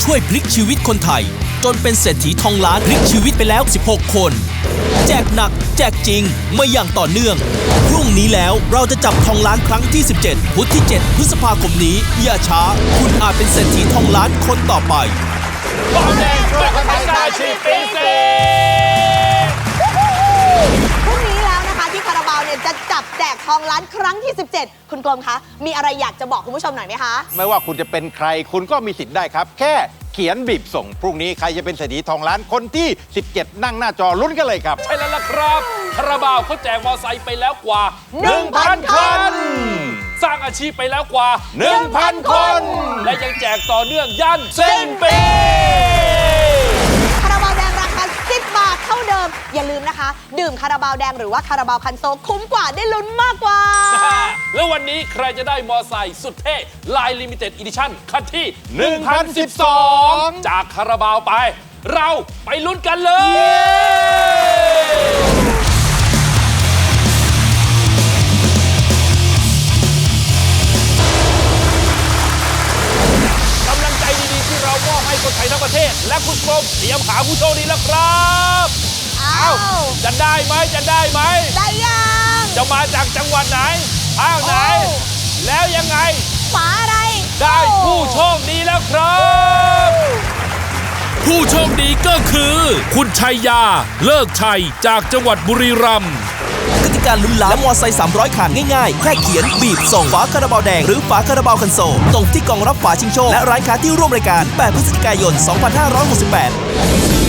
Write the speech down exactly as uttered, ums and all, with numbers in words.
ช่วยพลิกชีวิตคนไทยจนเป็นเศรษฐีทองล้านพลิกชีวิตไปแล้วสิบหกคนแจกหนักแจกจริงมาอย่างต่อเนื่องพรุ่งนี้แล้วเราจะจับทองล้านครั้งที่สิบเจ็ดพุธที่เจ็ดพฤษภาคมนี้อย่าช้าคุณอาจเป็นเศรษฐีทองล้านคนต่อไปบอลแดงช่วยคนไทยสร้างอาชีพปีเศษพรุ่งนี้แล้วนะคะที่คาราบาวเนี่ยจะจับแจกทองล้านครั้งที่สิบเจ็ดคุณกลมคะมีอะไรอยากจะบอกคุณผู้ชมหน่อยไหมคะไม่ว่าคุณจะเป็นใครคุณก็มีสิทธิ์ได้ครับแค่เขียนบีบส่งพรุ่งนี้ใครจะเป็นเศรษฐีทองล้านคนที่สิบเจ็ดนั่งหน้าจอลุ้นกันเลยครับใช่แล้วล่ะครับคาราบาวเขาแจกมอไซค์ไปแล้วกว่าหนึ่งพันคันสร้างอาชีพไปแล้วกว่าหนึ่งพัน คนและยังแจกต่อเนื่องยันสิ้นปีคาราบาวแดงราคาสิบบาทเท่าเดิมอย่าลืมนะคะดื่มคาราบาวแดงหรือว่าคาราบาวคันโซลคุ้มกว่าได้ลุ้นมากกว่าแล้ววันนี้ใครจะได้มอไซค์สุดเท่ลายลิมิเต็ดอีดิชั่นคันที่หนึ่งพันสิบสองจากคาราบาวไปเราไปลุ้นกันเลยกำลังใจดีๆที่เรามอบให้คนไทยทั้งประเทศและคุณกรมเตรียมหาผู้โชคดีแล้วครับอ้าวจะได้ไหมจะได้ไหมได้ยังจะมาจากจังหวัดไหนอ้าวไหนแล้วยังไงฝาอะไรได้ผู้โชคดีแล้วครับ ผู้โชคดีก็คือคุณชัยยาเลิกชัยจากจังหวัดบุรีรัมย์กติกาลุ้นล้านและมอไซค์สามร้อยคันง่ายๆแค่เขียนบีบส่งฝาคาราบาวแดงหรือฝาคาราบาวคันโซลตรงที่กล่องรับฝาชิงโชคและร้านค้าที่ร่วมรายการแปดพฤศจิกายนสองพันห้าร้อยหกสิบแปด